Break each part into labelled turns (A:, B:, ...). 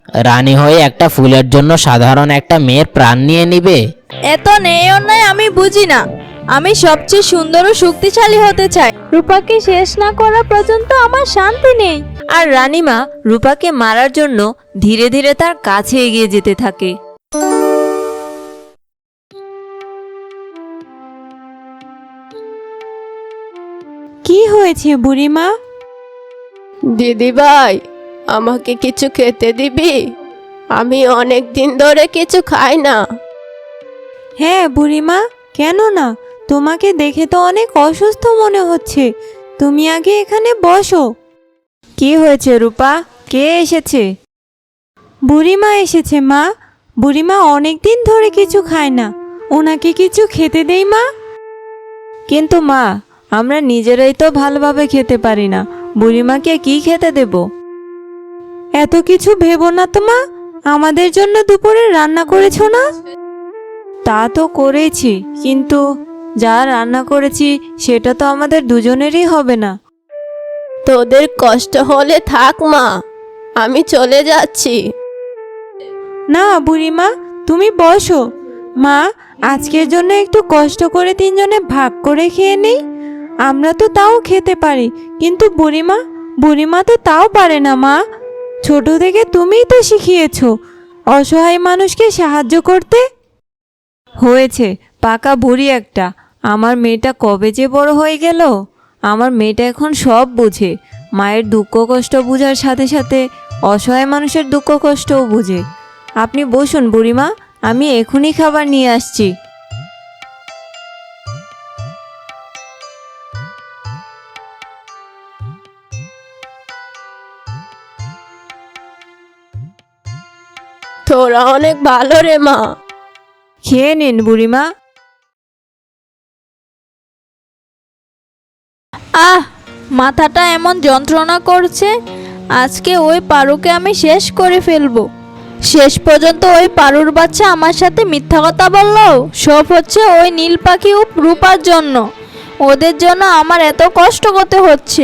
A: রানী হয়ে একটা ফুলের জন্য সাধারণ একটা মেয়ের প্রাণ নিয়ে নিবে?
B: এত নেই অন্যায় আমি বুঝি না। আমি সবচেয়ে সুন্দর ও শক্তিশালী হতে চাই। রূপাকে শেষ না করা পর্যন্ত আমার শান্তি নেই।
C: আর রানীমা রূপাকে মারার জন্য ধীরে ধীরে তার কাছে এগিয়ে যেতে থাকে।
D: কি হয়েছে বুড়িমা?
E: দিদি ভাই, আমাকে কিছু খেতে দিবি? আমি অনেক দিন ধরে কিছু খাই না।
D: হ্যাঁ বুড়িমা, কেন না? তোমাকে দেখে তো অনেক অসুস্থ মনে হচ্ছে। তুমি আগে এখানে বসো।
C: কি হয়েছে রূপা? কে এসেছে?
D: বুড়িমা এসেছে মা। বুড়িমা অনেক দিন ধরে কিছু খায় না, ওনাকে কিছু খেতে দেই মা।
C: কিন্তু মা, আমরা নিজেরাই তো ভালোভাবে খেতে পারি না, বুড়িমাকে কি খেতে দেব?
D: এত কিছু ভেবো না তো মা। আমাদের জন্য দুপুরে রান্না করেছো না?
C: তা তো করেছি, কিন্তু যা রান্না করেছি সেটা তো আমাদের দুজনেরই হবে না।
E: তোদের কষ্ট হলে থাক মা, আমি চলে যাচ্ছি।
D: না বুড়িমা, তুমি বসো। মা, আজকের জন্য একটু কষ্ট করে তিনজনে ভাগ করে খেয়ে নেই। আমরা তো তাও খেতে পারি, কিন্তু বুড়িমা তো তাও পারে না মা। ছোট থেকে তুমিই তো শিখিয়েছো অসহায় মানুষকে সাহায্য করতে।
C: হয়েছে, পাকা বুড়ি একটা। আমার মেয়েটা কবে যে বড় হয়ে গেল। আমার মেয়েটা এখন সব বুঝে। মায়ের দুঃখ কষ্ট বুঝার সাথে সাথে অসহায় মানুষের দুঃখ কষ্টও বুঝে। আপনি বসুন বুড়িমা, আমি এখনই খাবার নিয়ে আসছি।
E: তোরা অনেক ভালো রে মা।
C: খেয়ে নিন বুড়িমা।
B: আহ, মাথাটা এমন যন্ত্রণা করছে। আজকে ওই পারুকে আমি শেষ করে ফেলবো। শেষ পর্যন্ত ওই পারুর বাচ্চা আমার সাথে মিথ্যা কথা বললো। সব হচ্ছে ওই নীল পাখি ও রূপার জন্য। ওদের জন্য আমার এত কষ্ট করতে হচ্ছে।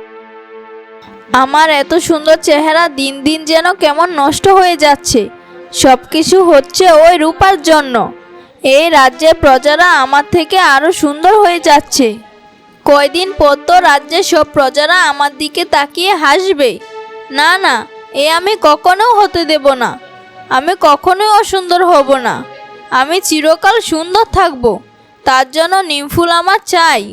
B: আমার এত সুন্দর চেহারা দিন দিন যেন কেমন নষ্ট হয়ে যাচ্ছে। সব কিছু হচ্ছে ওই রূপার জন্য। এই রাজ্যের প্রজারা আমার থেকে আরো সুন্দর হয়ে যাচ্ছে। কয়দিন পর তো রাজ্যের সব প্রজারা আমার দিকে তাকিয়ে হাসবে। না না, এ আমি কখনো হতে দেব না। আমি কখনোই অসুন্দর হব না। আমি চিরকাল সুন্দর থাকব। তার জন্য নিমফুল আমার চাই।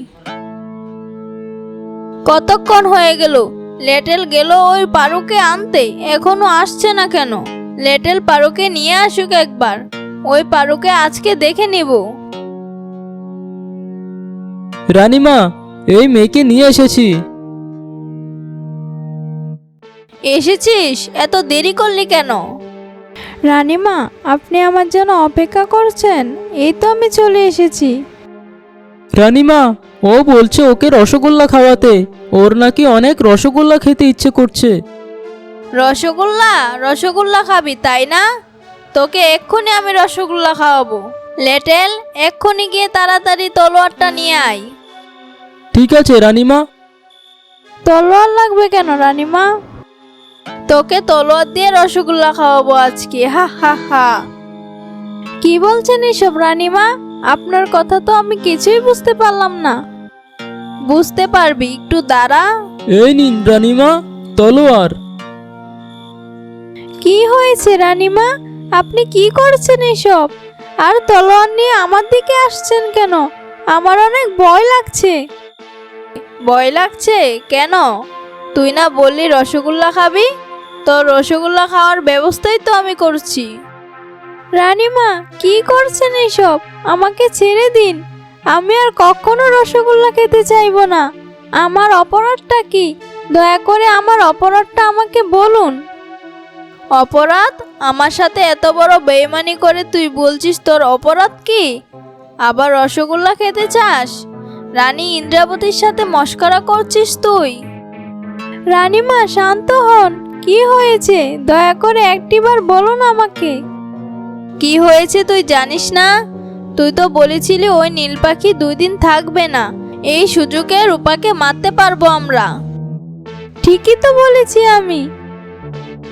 B: কতক্ষণ হয়ে গেল? লেটেল গেল ওই পারুকে আনতে, এখনো আসছে না কেন? লেটেল পারুকে নিয়ে আসুক একবার। ওই পারুকে আজকে দেখে নিব।
F: রানীমা, এই মেয়েকে নিয়ে এসেছি।
B: এসেছিস? এত দেরি করলি কেন?
D: রানীমা, আপনি আমার জন্য অপেক্ষা করছেন? এই তো আমি চলে এসেছি।
F: রানীমা, ও বলছে ওকে রসগোল্লা খাওয়াতে। ওর নাকি অনেক রসগোল্লা খেতে ইচ্ছে করছে।
B: রসগোল্লা? রসগোল্লা খাবি তাই না? তোকে এক্ষুনি আমি রসগোল্লা খাওয়াবো। লেটেল, এক্ষুনি গিয়ে তাড়াতাড়ি তলোয়ারটা নিয়ে আয়।
F: ঠিক আছে রানীমা।
D: তলোয়ার লাগবে কেন রানীমা?
B: তোকে তলোয়ার দিয়ে রসগোল্লা খাওয়াবো আজকে। হা হা হা।
D: কি বলছেন এসব রানীমা? আপনার কথা তো আমি কিছুই বুঝতে পারলাম না।
B: বুঝতে পারবি, একটু দাঁড়া।
F: এই নিন রানীমা, তলোয়ার।
D: কি হয়েছে রানীমা? আপনি কি করছেন এসব? আর তলোয়ার নিয়ে আমার দিকে আসছেন কেন? আমার অনেক ভয় লাগছে।
B: ভয় লাগছে কেন? তুই না বললি রসগোল্লা খাবি? তোর রসগোল্লা খাওয়ার ব্যবস্থাই তো আমি করছি।
D: রানীমা, কি করছেন এসব? আমাকে ছেড়ে দিন। আমি আর কখনো রসগোল্লা খেতে চাইবো না। আমার অপরাধটা কি? দয়া করে আমার অপরাধটা আমাকে বলুন।
B: অপরাধ? আমার সাথে এত বড় বেইমানি করে তুই বলছিস তোর অপরাধ কি? আবার রসগোল্লা খেতে চাস? রানী ইন্দ্রাবতীর সাথে মশকরা করছিস তুই?
D: রানীমা, শান্ত হন। কি হয়েছে? দয়া করে একটিবার বলুন আমাকে।
B: কি হয়েছে তুই জানিস না? তুই তো বলেছিলি ওই নীল পাখি 2 দিন থাকবে না। এই সুযোগে রূপাকে মারতে পারবো আমরা।
D: ঠিকই তো বলেছি আমি।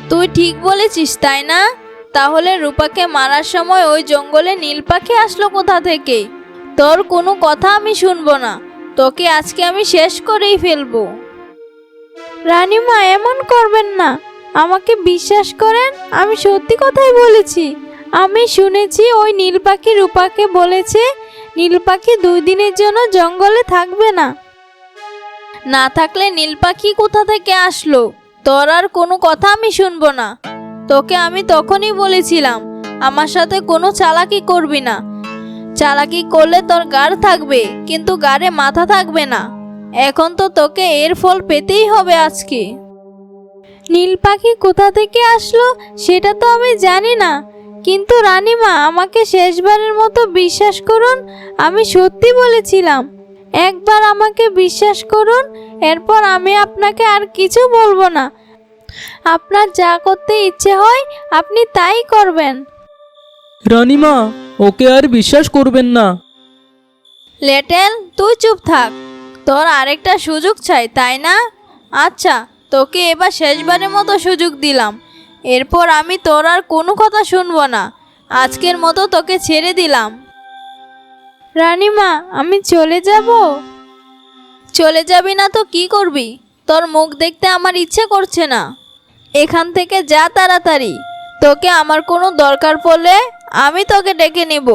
B: তুই ঠিক বলেছিস তাই না? তাহলে রূপাকে মারার সময় ওই জঙ্গলে নীল পাখি আসলো কোথা থেকে? তোর কোনো কথা আমি শুনবো না, তোকে আজকে আমি শেষ করেই ফেলবো। রানীমা, এমন করবেন না, আমাকে বিশ্বাস করেন, আমি সত্যি কথাই বলেছি। আমি শুনেছি ওই নীল পাখি রূপাকে বলেছে নীল পাখি 2 দিনের জন্য জঙ্গলে থাকবে না। না থাকলে নীল পাখি কোথা থেকে আসলো? তোর আর কোনো কথা আমি শুনবো না। তোকে আমি তখনই বলেছিলাম আমার সাথে কোনো চালাকি করবি না। চালাকি করলে তোর গাড় থাকবে কিন্তু গাড়ে মাথা থাকবে না। এখন তো তোকে এর ফল পেতেই হবে আজকে। নীল পাখি কোথা থেকে আসলো সেটা তো আমি জানি না, কিন্তু রানীমা, আমাকে শেষবারের মতো বিশ্বাস করুন, আমি সত্যি বলেছিলাম। একবার আমাকে বিশ্বাস করুন, এরপর আমি আপনাকে আর কিছু বলবো না। আপনার যা করতে ইচ্ছে হয় আপনি তাই করবেন।
F: রানীমা, ওকে আর বিশ্বাস করবেন না।
B: লেটেল, তুই চুপ থাক। তোর আরেকটা সুযোগ চাই তাই না? আচ্ছা, তোকে এবার শেষবারের মতো সুযোগ দিলাম। এরপর আমি তোর আর কোনো কথা শুনবো না। আজকের মতো তোকে ছেড়ে দিলাম। রানীমা, আমি চলে যাব? চলে যাবি না তো কি করবি? তোর মুখ দেখতে আমার ইচ্ছে করছে না। এখান থেকে যা তাড়াতাড়ি। তোকে আমার কোনো দরকার পড়লে আমি তোকে ডেকে নেব।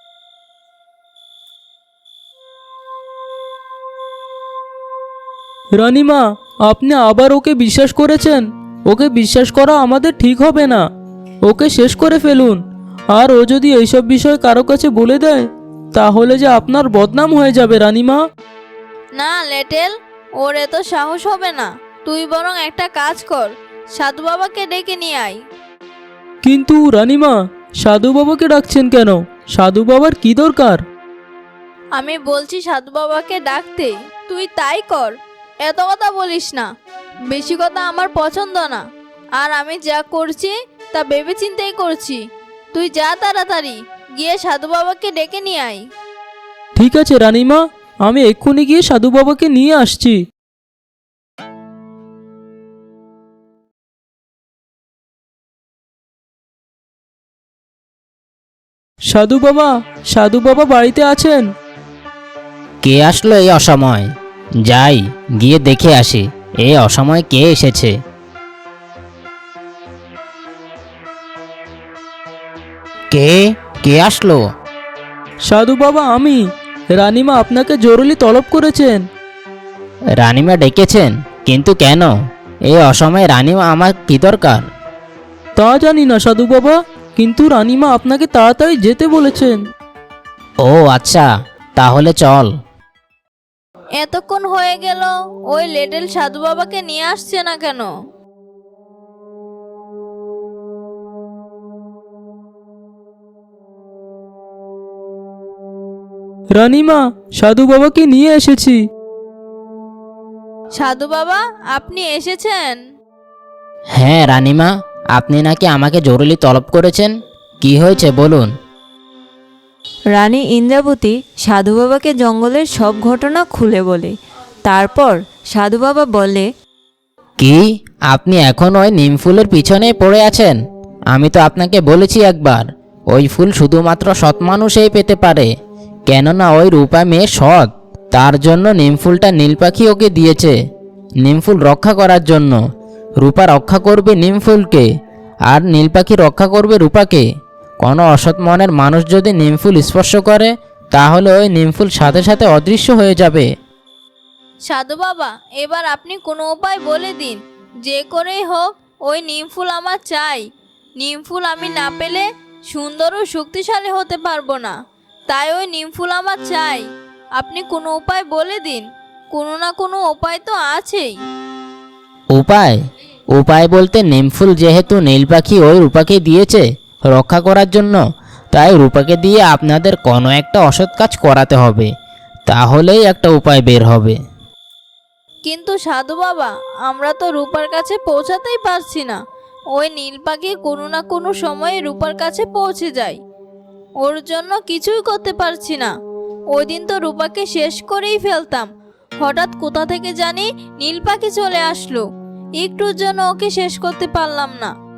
F: রানীমা, আপনি আবার ওকে বিশ্বাস করেছেন? ওকে বিশ্বাস করা আমাদের ঠিক হবে না। ওকে শেষ করে ফেলুন। আর ও যদি এইসব বিষয় কারো কাছে বলে দেয় তাহলে যে আপনার বদনাম হয়ে যাবে রানীমা।
B: না লেটেল, ওর এত সাহস হবে না। তুই বরং একটা কাজ কর, সাধু বাবাকে ডেকে নিয়ে আয়।
F: কিন্তু রানীমা, সাধু বাবাকে ডাকছেন কেন? সাধু বাবার কি দরকার?
B: আমি বলছি সাধু বাবাকে ডাকতে, তুই তাই কর। এত কথা বলিস না, বেশি কথা আমার পছন্দ না। আর আমি যা করছি তা ভেবে চিন্তেই করছি। তুই যা তাড়াতাড়ি গিয়ে সাধু বাবাকে ডেকে নিয়ে আয়।
F: ঠিক আছে রানীমা, আমি এক্ষুনি গিয়ে সাধু বাবাকে নিয়ে আসছি। সাধু বাবা, সাধু বাবা বাড়িতে আছেন?
A: কে আসলো এই অসময়? যাই গিয়ে দেখে আসি এই অসময় কে এসেছে। কে কে আসলো?
F: সাধু বাবা, আমি। রানীমা আপনাকে জরুরি তলব করেছেন।
A: রানীমা ডেকেছেন? কিন্তু কেন? এই অসময়ে রানীমা আমার কি দরকার?
F: তা জানি না সাধু বাবা, কিন্তু রানীমা আপনাকে তাড়াতাড়ি যেতে বলেছেন।
A: ও আচ্ছা, তাহলে চল।
B: এতক্ষণ হয়ে গেল, ওই লেটেল সাধু বাবাকে নিয়ে আসছে না কেন?
F: রানীমা, সাধু বাবাকে নিয়ে এসেছি।
B: সাধু বাবা, আপনি এসেছেন?
A: হ্যাঁ রানীমা, আপনি নাকি আমাকে জরুরি তলব করেছেন। কি হয়েছে বলুন।
C: রানী ইন্দ্রাবতী সাধু বাবাকে জঙ্গলের সব ঘটনা খুলে বলে। তারপর সাধু বাবা বলে,
A: কি আপনি এখন ওই নিম ফুলের পিছনে পড়ে আছেন? আমি তো আপনাকে বলেছি একবার, ওই ফুল শুধুমাত্র সৎ মানুষই পেতে পারে। কেননা ওই রূপা মেয়ে সৎ, তার জন্য নিম ফুলটা নীল পাখি ওকে দিয়েছে। নিম ফুল রক্ষা করার জন্য। রূপা রক্ষা করবে নিম ফুলকে, আর নীল পাখি রক্ষা করবে রূপাকে। কোনো অসৎ মনের মানুষ যদি নিম ফুল স্পর্শ করে তাহলে ওই নিম ফুল সাথে সাথে অদৃশ্য হয়ে যাবে।
B: সাধু বাবা, এবার আপনি কোনো উপায় বলে দিন। যে করেই হোক ওই নিম ফুল আমার চাই। নিম ফুল আমি না পেলে সুন্দর ও শক্তিশালী হতে পারবো না। তাই ওই নিম ফুল আমার চাই। আপনি কোনো উপায় বলে দিন। কোনো না কোনো উপায় তো আছেই।
A: উপায়? উপায় বলতে নিম ফুল যেহেতু নীল পাখি ওই রূপাকে দিয়েছে রক্ষা করার জন্য, তাই রূপাকে দিয়ে আপনাদের কোনো একটা অসৎ কাজ করাতে হবে, তাহলেই একটা উপায় বের হবে।
B: কিন্তু সাধু বাবা, আমরা তো রূপার কাছে পৌঁছাতেই পারছি না। ওই নীল পাখি কোনো না কোনো সময়ে রূপার কাছে পৌঁছে যায়। ওর জন্য কিছুই করতে পারছি না। ওই দিন তো রূপাকে শেষ করেই ফেলতাম, হঠাৎ কোথা থেকে জানি নীল পাখি চলে আসলো। একটুর জন্য ওকে শেষ করতে পারলাম না।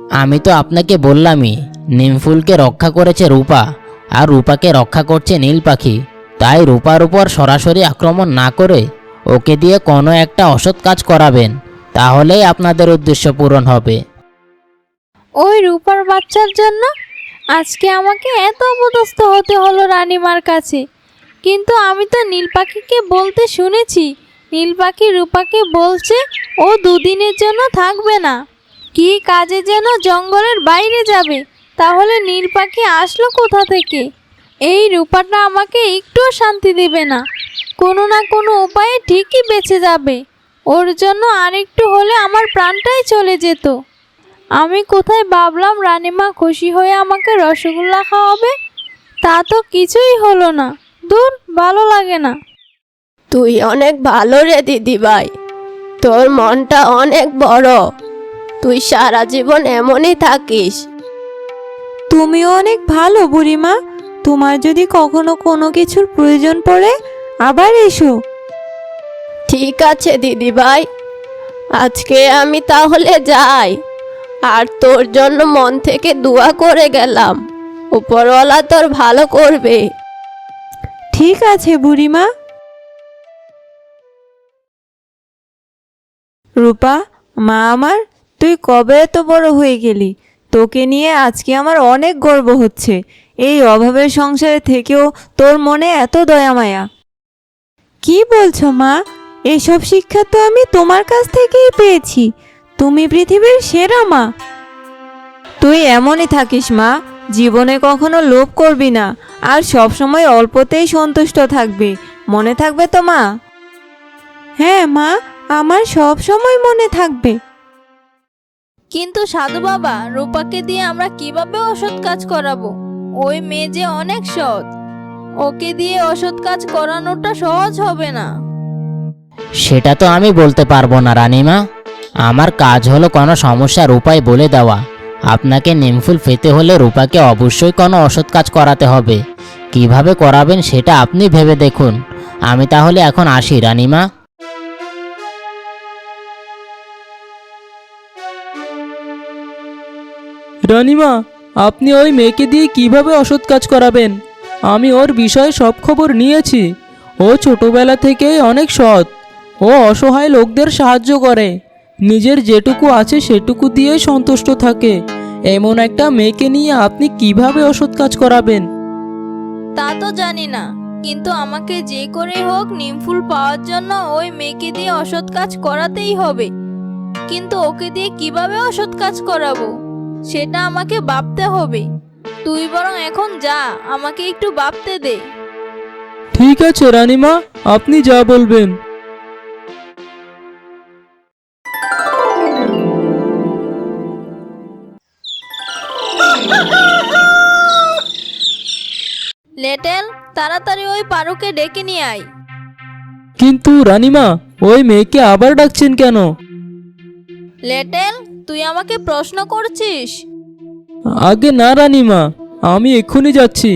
A: আমি তো আপনাকে বললামই, নিমফুলকে রক্ষা করেছে রূপা, আর রূপাকে রক্ষা করছে নীল পাখি। তাই রূপার উপর সরাসরি আক্রমণ না করে ওকে দিয়ে কোনো একটা অসৎ কাজ করাবেন, তাহলেই আপনাদের উদ্দেশ্য পূরণ হবে।
B: ওই রূপার বাচ্চার জন্য আজকে আমাকে এত অপদস্থ হতে হলো রানীমার কাছে। কিন্তু আমি তো নীল পাখিকে বলতে শুনেছি, নীল পাখি রূপাকে বলছে ও দুদিনের জন্য থাকবে না, কি কাজে যেন জঙ্গলের বাইরে যাবে। তাহলে নীল পাখি আসলো কোথা থেকে? এই রূপাটা আমাকে একটুও শান্তি দেবে না, কোনো না কোনো উপায়ে ঠিকই বেঁচে যাবে। ওর জন্য আরেকটু হলে আমার প্রাণটাই চলে যেত। আমি কোথায় ভাবলাম রানীমা খুশি হয়ে আমাকে রসগোল্লা খাওয়াবে, তা তো কিছুই হলো না। দূর, ভালো লাগে না।
E: তুই অনেক ভালো রে দিদিভাই, তোর মনটা অনেক বড়। তুই সারা জীবন এমনই থাকিস।
D: তুমিও অনেক ভালো বুড়িমা। তোমার যদি কখনো কোনো কিছুর প্রয়োজন পড়ে আবার এসো।
E: ঠিক আছে দিদিভাই, আজকে আমি তাহলে যাই। আর তোর জন্য মন থেকে দোয়া করে গেলাম, উপরওয়ালা তোর ভালো করবে।
D: ঠিক আছে বুড়িমা। রূপা, মা আমার, তুই কবে এত বড় হয়ে গেলি? তোকে নিয়ে আজকে আমার অনেক গর্ব হচ্ছে। এই অভাবের সংসারে থেকেও তোর মনে এত দয়া মায়া। কি বলছো মা? এসব শিক্ষা তো আমি তোমার কাছ থেকেই পেয়েছি। তুমি পৃথিবীর সেরা মা। তুই এমনই থাকিস মা, জীবনে কখনো লোভ করবি না, আর সব সময় অল্পতেই সন্তুষ্ট থাকবি। মনে থাকবে তো মা? হ্যাঁ মা, আমার সব সময় মনে থাকবে।
B: কিন্তু সাধু বাবা, রূপাকে দিয়ে আমরা কিভাবে অসৎ কাজ করাবো? ওই মেয়ে যে অনেক সৎ, ওকে দিয়ে অসৎ কাজ করানোটা সহজ হবে না।
A: সেটা তো আমি বলতে পারবো না রানীমা। আমার কাজ হলো কোনো সমস্যার উপায় বলে দেওয়া। আপনাকে নিমফুল পেতে হলে রূপাকে অবশ্যই কোনো অসৎ কাজ করাতে হবে। কিভাবে করাবেন সেটা আপনি ভেবে দেখুন। আমি তাহলে এখন আসি রানীমা।
F: রানীমা, আপনি ওই মেয়েকে দিয়ে কিভাবে অসৎ কাজ করাবেন? আমি ওর বিষয়ে সব খবর নিয়েছি। ও ছোটবেলা থেকেই অনেক সৎ। ও অসহায় লোকদের সাহায্য করে, নিজের যেটুকু আছে সেটুকু দিয়েই সন্তুষ্ট থাকে। এমন একটা মেয়েকে নিয়ে আপনি কিভাবে অসৎ কাজ করাবেন?
B: তা তো জানি না, কিন্তু আমাকে যে করে হোক নিমফুল পাওয়ার জন্য ওই মেয়েকে দিয়ে অসৎ কাজ করাতেই হবে। কিন্তু ওকে দিয়ে কিভাবে অসৎ কাজ করাবো সেটা আমাকে ভাবতে হবে। তুই বরং এখন যা, আমাকে একটু ভাবতে দে।
F: ঠিক আছে রানীমা, আপনি যা বলবেন।
B: লেটেল, তাড়াতাড়ি ওই পারুকে ডেকে নিয়ে আয়।
F: কিন্তু রানীমা, ওই মেয়েকে আবার ডাকছেন কেন?
B: লেটেল, তুই আমাকে প্রশ্ন করছিস?
F: আগে না রানীমা, আমি এক্ষুনি যাচ্ছি।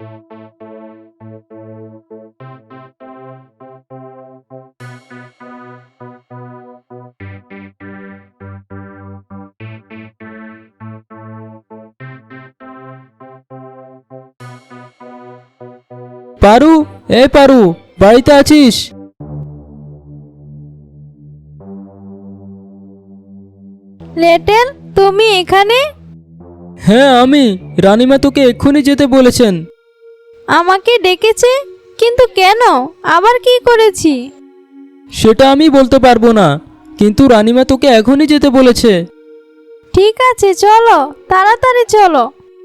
F: পারু, এ পারু, বাড়িতে আছিস?
B: লেটেল, তুমি এখানে?
F: হ্যাঁ আমি। রানীমা তোকে এক্ষুনি যেতে বলেছেন।
B: আমাকে ডেকেছে? কিন্তু কেন? আবার কি করেছি?
F: সেটা আমি বলতে পারবো না, কিন্তু রানীমা তোকে এখনই যেতে বলেছে।
B: ঠিক আছে, চলো, তাড়াতাড়ি চলো।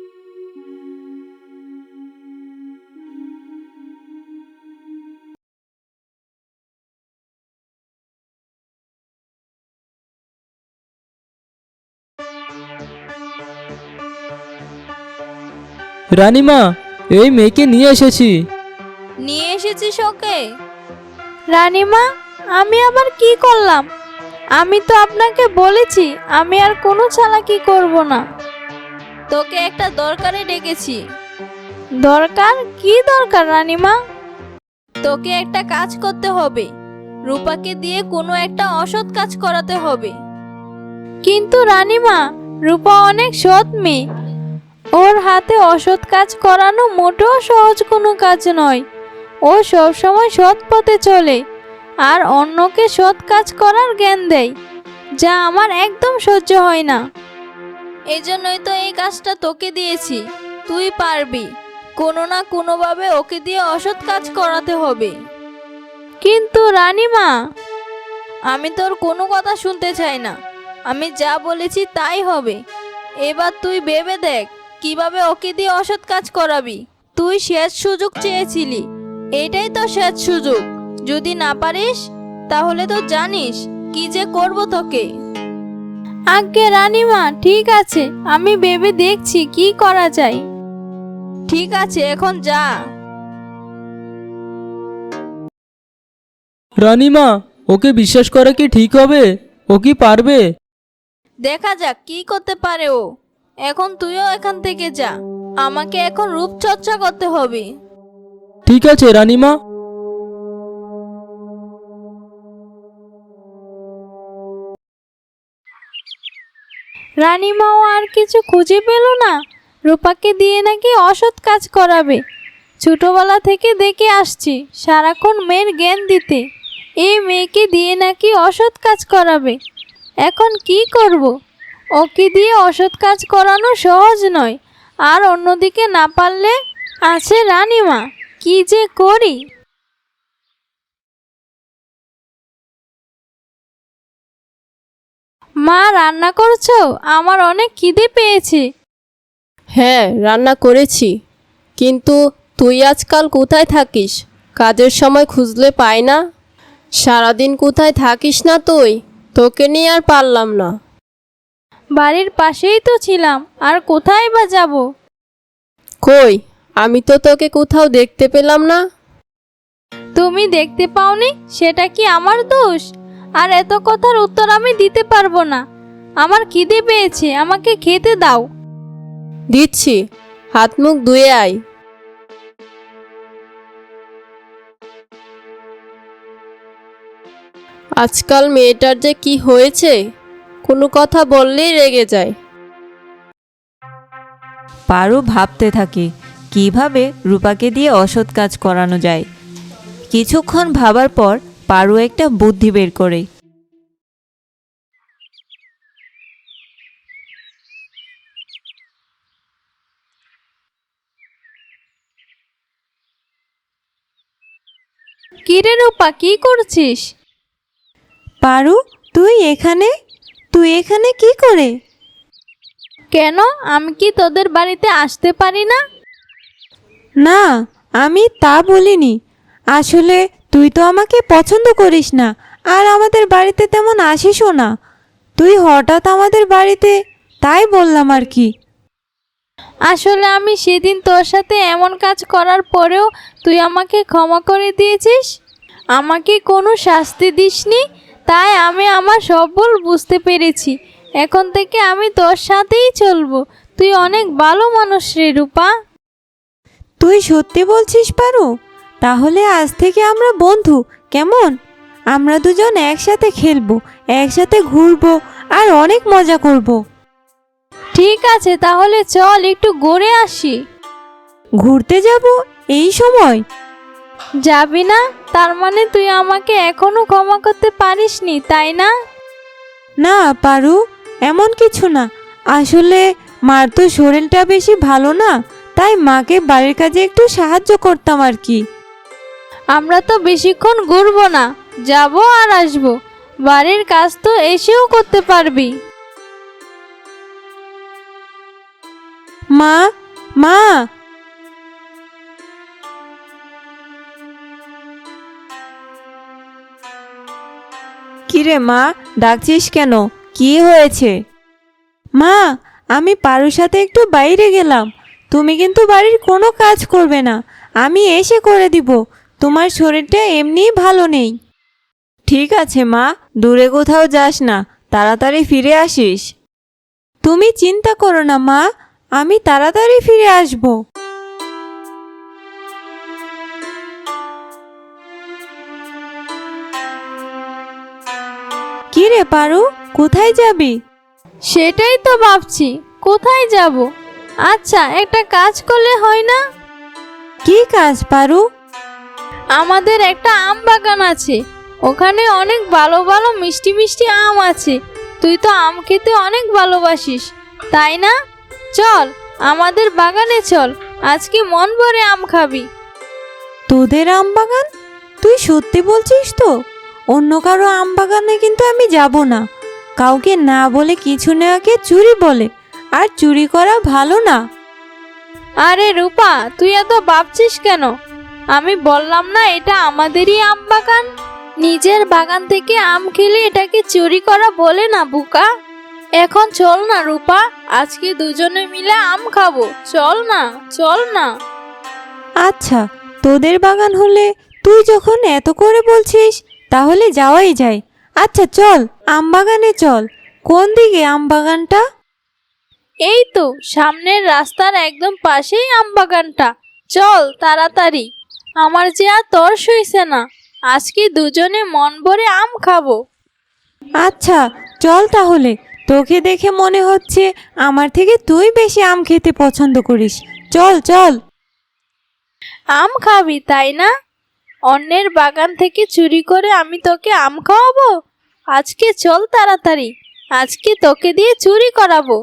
F: রানীমা, এই মেয়েকে নিয়ে এসেছি।
B: নিয়ে এসেছিস ওকে? রানীমা, আমি আবার কি করলাম? আমি তো আপনাকে বলেছি আমি আর কোনো চালাকি করব না। তোকে একটা দরকারে ডেকেছি। দরকার? কি দরকার রানীমা? তোকে একটা কাজ করতে হবে। রূপাকে দিয়ে কোনো একটা অসৎ কাজ করাতে হবে। কিন্তু রানীমা, রূপা অনেক সৎ মেয়ে। ওর হাতে অসৎ কাজ করানো মোটেও সহজ কোনো কাজ নয়। ও সবসময় সৎ পথে চলে আর অন্যকে সৎ কাজ করার জ্ঞান দেয়, যা আমার একদম সহ্য হয় না। এই জন্যই তো এই কাজটা তোকে দিয়েছি, তুই পারবি। কোনো না কোনোভাবে ওকে দিয়ে অসৎ কাজ করাতে হবে। কিন্তু রানীমা, আমি তোর কোনো কথা শুনতে চাই না। আমি যা বলেছি তাই হবে। এবার তুই ভেবে দেখ কিভাবে ওকে দিয়ে অসৎ কাজ করাবি। তুই শেষ সুযোগ চেয়েছিলি, এটাই তো শেষ সুযোগ। যদি না পারিস তাহলে তো জানিস কি যে করব তোকে। আজ্ঞে রানীমা, ঠিক আছে, আমি ভেবে দেখছি কি করা যায়। ঠিক আছে, এখন যা।
F: রানীমা, ওকে বিশ্বাস করা কি ঠিক হবে? ও কি পারবে?
B: দেখা যাক কি করতে পারে ও। এখন তুইও এখান থেকে যা, আমাকে এখন রূপচর্চা করতে হবে।
F: ঠিক আছে রানীমা।
B: রানীমাও আর কিছু খুঁজে পেল না। রূপাকে দিয়ে নাকি অসৎ কাজ করাবে। ছোটবেলা থেকে দেখে আসছি সারাক্ষণ মেয়ের জ্ঞান দিতে, এই মেয়েকে দিয়ে নাকি অসৎ কাজ করাবে। এখন কি করব? ওকে দিয়ে অসৎ কাজ করানো সহজ নয়, আর অন্যদিকে না পারলে আছে রানীমা। কি যে করি। মা, রান্না করছো? আমার অনেক খিদে পেয়েছে।
E: হ্যাঁ, রান্না করেছি। কিন্তু তুই আজকাল কোথায় থাকিস? কাজের সময় খুঁজলে পাই না। সারাদিন কোথায় থাকিস না তুই? তোকে নিয়ে আর পারলাম না।
B: বাড়ির পাশেই তো ছিলাম, আর কোথায় বা যাব?
E: কই, আমি তো তোকে কোথাও দেখতে পেলাম না।
B: তুমি দেখতে পাওনি সেটা কি আমার দোষ? আর এত কথার উত্তর আমি দিতে পারবো না। আমার খিদে পেয়েছে, আমাকে খেতে দাও।
E: দিচ্ছি, হাত মুখ ধুয়ে আয়। আজকাল মেয়েটার যে কি হয়েছে, কোনো কথা বললেই রেগে যায়।
C: পারু ভাবতে থাকে কিভাবে রূপাকে দিয়ে অসৎ কাজ করানো যায়। কিছুক্ষণ ভাবার পর পারু একটা বুদ্ধি বের করে।
B: কিরে রূপা, কি করছিস?
D: পারু, তুই এখানে কি করে?
B: কেন, আমি কি তোদের বাড়িতে আসতে পারি না?
D: না, আমি তা বলিনি। আসলে তুই তো আমাকে পছন্দ করিস না, আর আমাদের বাড়িতে তেমন আসিসও না। তুই হঠাৎ আমাদের বাড়িতে, তাই বললাম আর কি।
B: আসলে আমি সেদিন তোর সাথে এমন কাজ করার পরেও তুই আমাকে ক্ষমা করে দিয়েছিস। আমাকে কোনো শাস্তি দিসনি, তাই আমি আমার সব ভুল বুঝতে পেরেছি। এখন থেকে আমি তোর সাথেই চলবো। তুই অনেক ভালো মানুষ রে রূপা।
D: তুই সত্যি বলছিস পারু? তাহলে আজ থেকে আমরা বন্ধু, কেমন? আমরা দুজন একসাথে খেলবো, একসাথে ঘুরবো, আর অনেক মজা করব।
B: ঠিক আছে, তাহলে চল একটু ঘুরে আসি।
D: ঘুরতে যাব এই সময়?
B: যাবি না? তার মানে তুই আমাকে এখনো ক্ষমা করতে পারিসনি, তাই না?
D: না পারু, এমন কিছু না। আসলে মার তো শরীরটা বেশি ভালো না, তাই মাকে বাড়ির কাজে একটু সাহায্য করতাম আর কি।
B: আমরা তো বেশিক্ষণ ঘুরবো না, যাবো আর আসবো। বাড়ির কাজ তো এসেও করতে পারবি।
D: মা, মা! কিরে মা, ডাকছিস কেন? কি হয়েছে? মা, আমি পারুর সাথে একটু বাইরে গেলাম। তুমি কিন্তু বাড়ির কোনো কাজ করবে না, আমি এসে করে দিব। তোমার শরীরটা এমনিই ভালো নেই। ঠিক আছে মা, দূরে কোথাও যাস না, তাড়াতাড়ি ফিরে আসিস। তুমি চিন্তা করো না মা, আমি তাড়াতাড়ি ফিরে আসব। কি রে পারু, কোথায় যাবি?
B: সেটাই তো ভাবছি, কোথায় যাব? আচ্ছা, একটা কাজ করলে হয় না?
D: কি কাজ পারু?
B: আমাদের একটা আম বাগান আছে, ওখানে অনেক ভালো ভালো মিষ্টি মিষ্টি আম আছে। তুই তো আম খেতে অনেক ভালোবাসিস, তাই না? চল আমাদের বাগানে চল, আজকে মন ভরে আম খাবি।
D: তোদের আম বাগান? তুই সত্যি বলছিস তো? অন্য কারো আম বাগানে কিন্তু আমি যাব না। কাউকে না বলে কিছু নেওয়াকে চুরি বলে, আর চুরি করা ভালো না।
B: আরে রূপা, তুই এত ভাবছিস কেন? আমি বললাম না এটা আমাদেরই আম বাগান। নিজের বাগান থেকে আম খেলে এটাকে চুরি করা বলে না বুকা। এখন চল না রূপা, আজকে দুজনে মিলে আম খাবো। চল না, চল না।
D: আচ্ছা, তোদের বাগান হলে তুই যখন এত করে বলছিস তাহলে যাওয়াই যায়। আচ্ছা চল, আম বাগানে চল। কোন দিকে আম বাগানটা?
B: এই তো সামনের রাস্তার একদম পাশেই আম বাগানটা। চল তাড়াতাড়ি, আমার যে আর তর সইছে না। আজকে দুজনে মন ভরে আম খাবো।
D: আচ্ছা চল তাহলে। তোকে দেখে মনে হচ্ছে আমার থেকে তুই বেশি আম খেতে পছন্দ করিস। চল চল।
B: আম খাবি তাই না? অন্যের বাগান থেকে চুরি করে আমি তোকে আম খাওয়াবো? আজকে চল তাড়াতাড়ি, আজকে তোকে দিয়ে চুরি করাবো।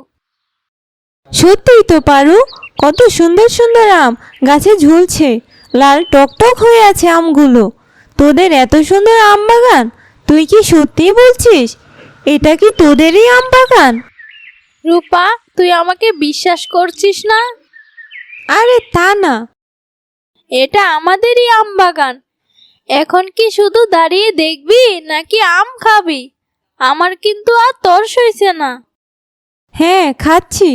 D: সত্যিই তো পারু, কত সুন্দর সুন্দর আম গাছে ঝুলছে। লাল টকটক হয়ে আছে আমগুলো। তোদের এত সুন্দর আম বাগান? তুই কি সত্যিই বলছিস? এটা কি তোদেরই আম বাগান?
B: রূপা, তুই আমাকে বিশ্বাস করছিস না?
D: আরে তা না।
B: এটা আমাদেরই আম বাগান। এখন কি শুধু দাঁড়িয়ে দেখবি নাকি আম খাবি? আমার কিন্তু আর তর সইছে না।
D: হ্যাঁ, খাচ্ছি।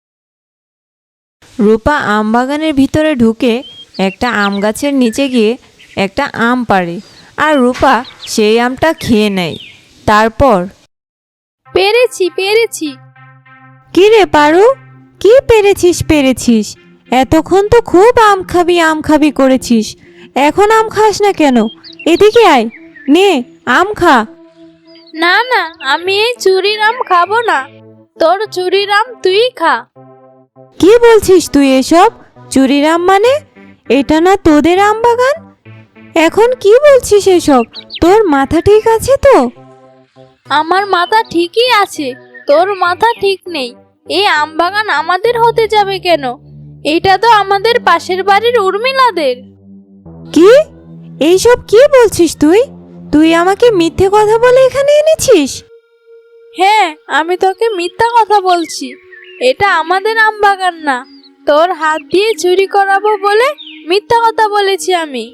D: রূপা আম বাগানের ভিতরে ঢুকে একটা আম গাছের নিচে গিয়ে একটা আম পাড়ে, আর রূপা সেই আমটা খেয়ে নেয়। তারপর,
B: পেরেছি পেরেছি।
D: কি রে পারু, কি পেরেছিস? এতক্ষণ তো খুব আম খাবি করেছিস, এখন আম খাস না কেন? এদিকে আয়, নে আম খা।
B: না না, আমি এই চুরির আম খাবো না। তোর চুরির আম তুই খা।
D: কি বলছিস তুই এসব? চুরির আম মানে? এটা না তোদের আম বাগান। এখন কি বলছিস এসব? তোর মাথা ঠিক আছে তো?
B: আমার মাথা ঠিকই আছে, তোর মাথা ঠিক নেই। এই আম বাগান আমাদের হতে যাবে কেন? এটা তো আমাদের পাশের বাড়ির উর্মিলাদের।
D: কি? এইসব কি বলছিস তুই? তুই আমাকে মিথ্যে কথা বলে এখানে এনেছিস?
B: হ্যাঁ, আমি তোকে মিথ্যা কথা বলছি। এটা আমাদের আম বাগান না। তোর হাত দিয়ে চুরি করাবো বলে মিথ্যা কথা বলেছি আমি।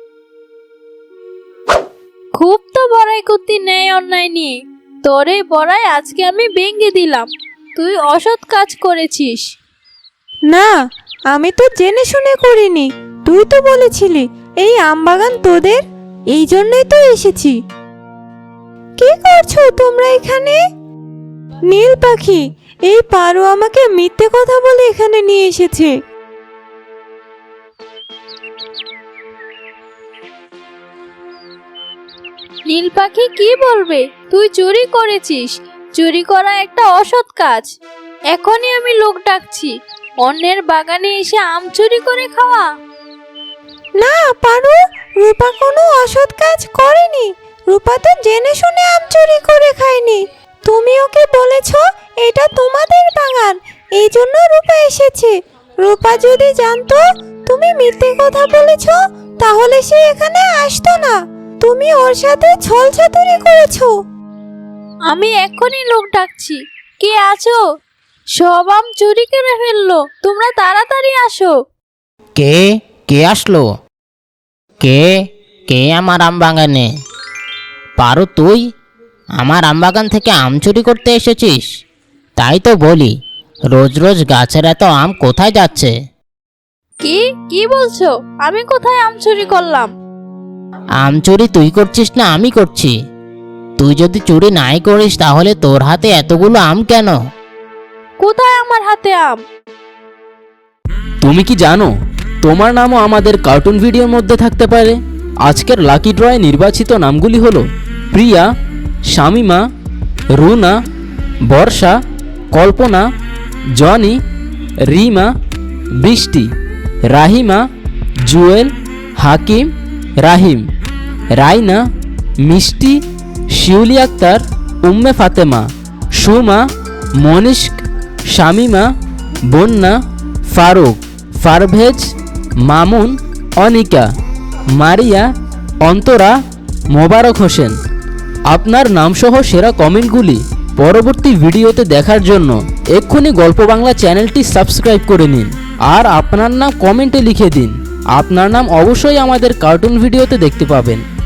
B: খুব তো বড়াই করতে নেই অন্যায় নিয়ে। তোর এই বড়াই আজকে আমি ভেঙে দিলাম। তুই অসৎ কাজ করেছিস।
D: না, আমি তো জেনে শুনে করিনি। তুই তো বলেছিলি এই আম বাগান তোদের, এই জন্যই তো এসেছি। কি করছো তোমরা এখানে? নীল পাখি, এই পারো আমাকে মিথ্যে কথা বলে এখানে নিয়ে এসেছে।
B: নীল পাখি কি বলবে? তুই চুরি করেছিস। চুরি করা একটা অসৎ কাজ। এখনই আমি লোক ডাকছি। অন্যের বাগানে এসে আম চুরি করে খাওয়া।
D: না পারু, রূপা কোনো অসৎ কাজ করেনি। রূপা তো জেনে শুনে আম চুরি করে খায়নি। তুমি ওকে বলেছ এটা তোমাদের বাগান, এই জন্য রূপা এসেছে। রূপা যদি জানতো তুমি মিথ্যে কথা বলেছ তাহলে সে এখানে আসতো না। তুমি ওর সাথে ছল চাতুরি করেছো।
B: আমি এখনই লোক ডাকছি। কে আছো? সব আম চুরি করে ফেললো। তোমরা তাড়াতাড়ি আসো।
A: কে কে আসলো? কে কে আমার আম বাগানে? পারো তুই আমার আম বাগান থেকে আম চুরি করতে এসেছিস? তাই তো বলি, রোজ রোজ গাছের এত আম কোথায় যাচ্ছে?
B: কি কি বলছো? আমি কোথায় আম চুরি করলাম?
A: আম চুরি তুই করছিস না আমি করছি? তুই যদি চুরি নাই করিস তাহলে তোর হাতে এতগুলো আম কেন?
B: কোথায় আমার হাতে আম?
F: তুমি কি জানো তোমার নামও আমাদের কার্টুন ভিডিওর মধ্যে থাকতে পারে? আজকের লাকি ড্রয়ে নির্বাচিত নামগুলি হলো প্রিয়া, শামিমা, রুনা, বর্ষা
A: কল্পনা, জনি, রিমা, বৃষ্টি, রাহিমা, জুয়েল, হাকিম, রাহিম, রাইনা, মিষ্টি, শিউলি আক্তার, উম্মে ফাতেমা, সুমা, মনিষ্ক, শামিমা, বন্যা, ফারুক, পারভেজ, মামুন, অনিকা, মারিয়া, অন্তরা, মোবারক হোসেন। আপনার নামসহ সেরা কমেন্টগুলি পরবর্তী ভিডিওতে দেখার জন্য এক্ষুনি গল্প বাংলা চ্যানেলটি সাবস্ক্রাইব করে নিন আর আপনার নাম কমেন্টে লিখে দিন। আপনার নাম অবশ্যই আমাদের কার্টুন ভিডিওতে দেখতে পাবেন।